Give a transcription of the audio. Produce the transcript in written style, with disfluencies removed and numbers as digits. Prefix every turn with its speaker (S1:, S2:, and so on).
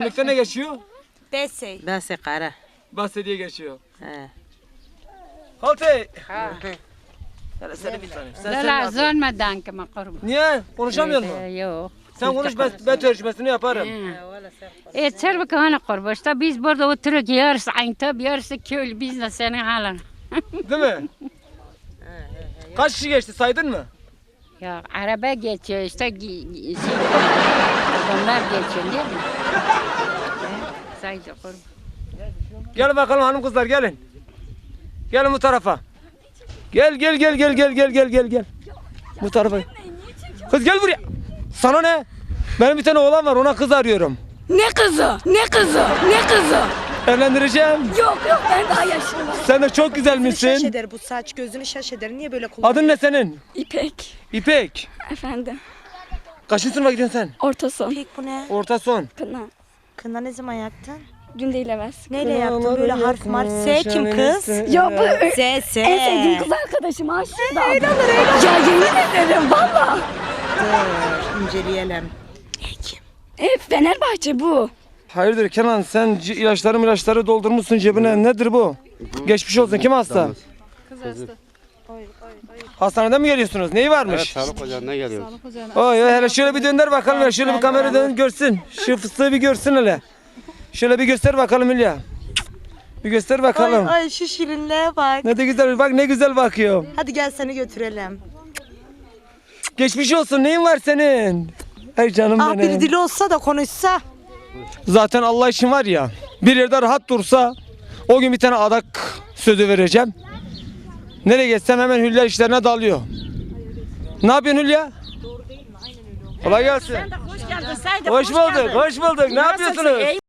S1: Lükte ne geçiyor?
S2: Besey.
S3: Bese kara.
S1: Bahse diye geçiyor.
S3: He.
S1: Halte. Hele seni bir tane. Sen
S4: لا زول ما دانك ما قرب
S1: Niye? Konuşamıyor musun?
S4: yok.
S1: Sen konuş ben tercümesini yaparım.
S4: Çerbek hana kurba. İşte biz burada oturuyoruz yarısı Ayntab yarısı köylü biz de senin halin.
S1: Değil mi? Kaç kişi geçti saydın mı?
S4: Ya araba geçiyor işte adamlar geçiyor değil mi? Saydı kurba.
S1: Gelin bakalım hanım kızlar gelin. Gelin bu tarafa. Gel. Bu tarafa. Kız gel buraya. Sana ne? Benim bir tane oğlan var ona kız arıyorum.
S2: Ne kızı? Ne kızı? Ne kızı?
S1: Evlendireceğim.
S2: Yok ben daha yaşlıyım.
S1: Sen de çok güzel
S5: Şaş
S1: misin?
S5: eder bu saç gözünü şaş eder. Niye böyle kullanıyor?
S1: Adın ne senin?
S6: İpek
S1: İpek.
S6: efendim.
S1: Kaçıncı sınıfa gidiyorsun sen?
S6: Orta son.
S5: Pek bu ne?
S1: Orta son.
S6: Kına.
S5: Kına ne zaman yaktın?
S6: Dün değil evvel.
S5: Neyle yaktın böyle harf marf? S kim kız?
S6: Ya bu
S5: S.
S6: en sevdiğim kız arkadaşım aşık da. Öyle olur. Ya yemin ederim valla.
S5: Dur inceleyelim.
S6: Fenerbahçe bu.
S1: Hayırdır Kenan sen ilaçları doldurmuşsun cebine. Nedir bu? Geçmiş olsun. Kim hasta? Kız hasta. Hastaneden mi geliyorsunuz? Neyi varmış?
S7: Evet, sağlık ocağına geliyoruz.
S1: Oy hele şöyle bir dönder bakalım ya. Şöyle bir kamera dön görsün. Şu fıstığı bir görsün hele. Şöyle bir göster bakalım Hülya. Bir göster bakalım.
S5: Ay şu şirinliğe bak.
S1: Ne de güzel bak ne güzel bakıyor.
S5: Hadi gel seni götürelim.
S1: Geçmiş olsun. Neyin var senin? Ay canım
S5: Ah
S1: benim.
S5: bir dili olsa da konuşsa.
S1: Zaten Allah için var ya. Bir yerde rahat dursa o gün bir tane adak sözü vereceğim. Nereye geçsem hemen Hülya işlerine dalıyor. Ne yapıyorsun Hülya? Kolay gelsin.
S2: Hoş geldin Saydı.
S1: Hoş bulduk. Ne yapıyorsunuz?